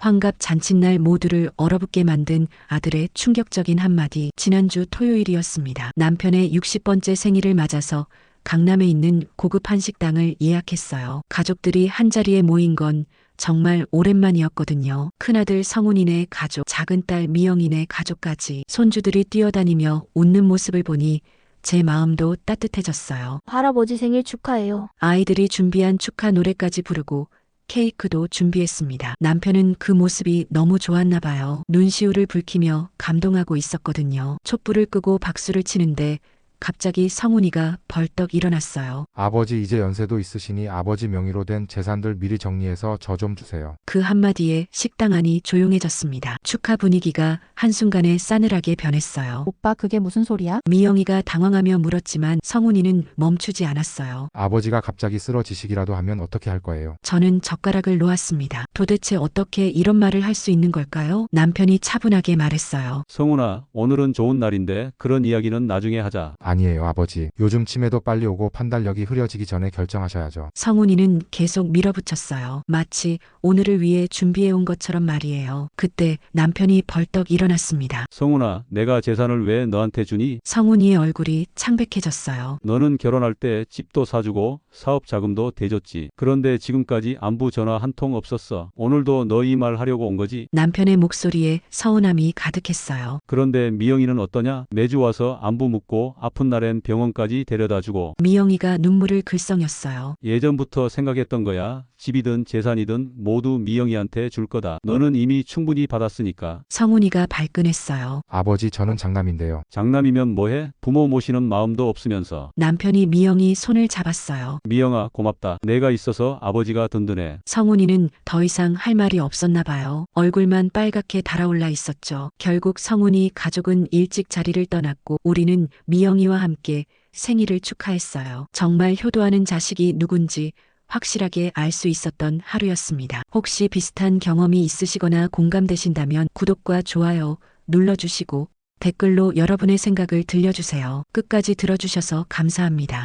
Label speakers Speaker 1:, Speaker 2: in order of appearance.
Speaker 1: 환갑 잔칫날 모두를 얼어붙게 만든 아들의 충격적인 한마디. 지난주 토요일이었습니다. 남편의 60번째 생일을 맞아서 강남에 있는 고급 한식당을 예약했어요. 가족들이 한자리에 모인 건 정말 오랜만이었거든요. 큰아들 성훈이네 가족, 작은딸 미영이네 가족까지 손주들이 뛰어다니며 웃는 모습을 보니 제 마음도 따뜻해졌어요.
Speaker 2: 할아버지 생일 축하해요.
Speaker 1: 아이들이 준비한 축하 노래까지 부르고 케이크도 준비했습니다. 남편은 그 모습이 너무 좋았나 봐요. 눈시울을 붉히며 감동하고 있었거든요. 촛불을 끄고 박수를 치는데 갑자기 성훈이가 벌떡 일어났어요.
Speaker 3: 아버지 이제 연세도 있으시니 아버지 명의로 된 재산들 미리 정리해서 저 좀 주세요.
Speaker 1: 그 한마디에 식당 안이 조용해졌습니다. 축하 분위기가 한순간에 싸늘하게 변했어요.
Speaker 4: 오빠 그게 무슨 소리야?
Speaker 1: 미영이가 당황하며 물었지만 성훈이는 멈추지 않았어요.
Speaker 3: 아버지가 갑자기 쓰러지시기라도 하면 어떻게 할 거예요?
Speaker 1: 저는 젓가락을 놓았습니다. 도대체 어떻게 이런 말을 할 수 있는 걸까요? 남편이 차분하게 말했어요.
Speaker 5: 성훈아, 오늘은 좋은 날인데 그런 이야기는 나중에 하자.
Speaker 3: 아니에요, 아버지. 요즘 치매도 빨리 오고 판단력이 흐려지기 전에 결정하셔야죠.
Speaker 1: 성훈이는 계속 밀어붙였어요. 마치 오늘을 위해 준비해온 것처럼 말이에요. 그때 남편이 벌떡 일어났습니다.
Speaker 5: 성훈아, 내가 재산을 왜 너한테 주니?
Speaker 1: 성훈이의 얼굴이 창백해졌어요.
Speaker 5: 너는 결혼할 때 집도 사주고 사업 자금도 대줬지. 그런데 지금까지 안부 전화 한 통 없었어. 오늘도 너 이 말 하려고 온 거지?
Speaker 1: 남편의 목소리에 서운함이 가득했어요.
Speaker 5: 그런데 미영이는 어떠냐? 매주 와서 안부 묻고 아픈 날엔 병원까지 데려다 주고.
Speaker 1: 미영이가 눈물을 글썽였어요.
Speaker 5: 예전부터 생각했던 거야. 집이든 재산이든 모두 미영이한테 줄 거다. 너는 이미 충분히 받았으니까.
Speaker 1: 성훈이가 발끈했어요.
Speaker 3: 아버지, 저는 장남인데요.
Speaker 5: 장남이면 뭐해? 부모 모시는 마음도 없으면서.
Speaker 1: 남편이 미영이 손을 잡았어요.
Speaker 5: 미영아, 고맙다. 내가 있어서 아버지가 든든해.
Speaker 1: 성훈이는 더 이상 할 말이 없었나 봐요. 얼굴만 빨갛게 달아올라 있었죠. 결국 성훈이 가족은 일찍 자리를 떠났고 우리는 미영이와 함께 생일을 축하했어요. 정말 효도하는 자식이 누군지 확실하게 알 수 있었던 하루였습니다. 혹시 비슷한 경험이 있으시거나 공감되신다면 구독과 좋아요 눌러주시고 댓글로 여러분의 생각을 들려주세요. 끝까지 들어주셔서 감사합니다.